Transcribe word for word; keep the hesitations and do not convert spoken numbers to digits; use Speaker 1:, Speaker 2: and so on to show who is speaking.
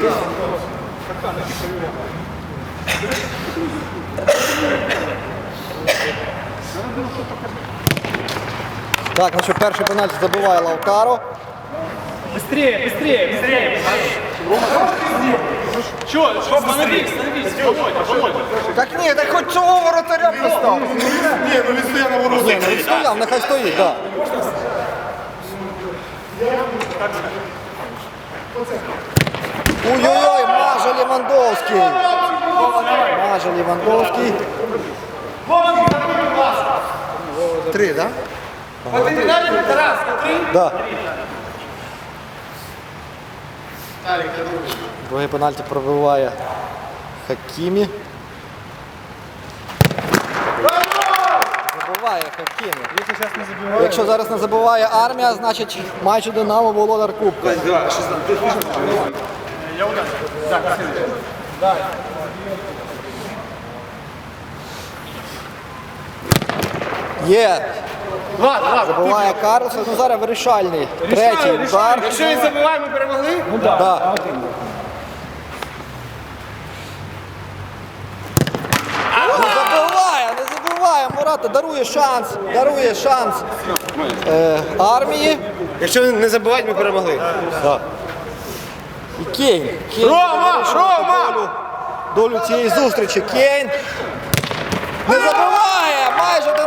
Speaker 1: Так, ну що, перший пенальті забиває Лаутаро.
Speaker 2: Быстрее, быстрее, быстрее. Чё, остановись, остановись, Володя, Володя.
Speaker 1: Так ні, так хоч цього воротаря постав.
Speaker 3: Ні, ну він стояв на воротах.
Speaker 1: Ні, ну він стояв, нехай стоїть, так. Ой-ой-ой, Мажа Левандовський. Мажа Левандовський. Три, так?
Speaker 2: Один далі, Тарас, три.
Speaker 1: Да. Другий пенальті пробиває Хакімі. Забиває Хакімі. Якщо зараз не забиває Армія, значить майже Динамо володар Кубка.
Speaker 2: Я удар. Так, так.
Speaker 1: Є.
Speaker 2: Два, два.
Speaker 1: Забиває Карлсон. Ну зараз вирішальний. Третій удар.
Speaker 2: Якщо він забиває, ми перемогли? Ну так.
Speaker 1: Да. Не забиває, не забиває. Мурата дарує шанс. Дарує шанс е, Армії.
Speaker 3: Якщо він не забиває, ми перемогли.
Speaker 1: Да. І Кейн. Кейн
Speaker 2: Рома,
Speaker 1: вирішив
Speaker 2: Рома!
Speaker 1: Долю, долю цієї зустрічі. Кейн не забиває. Майже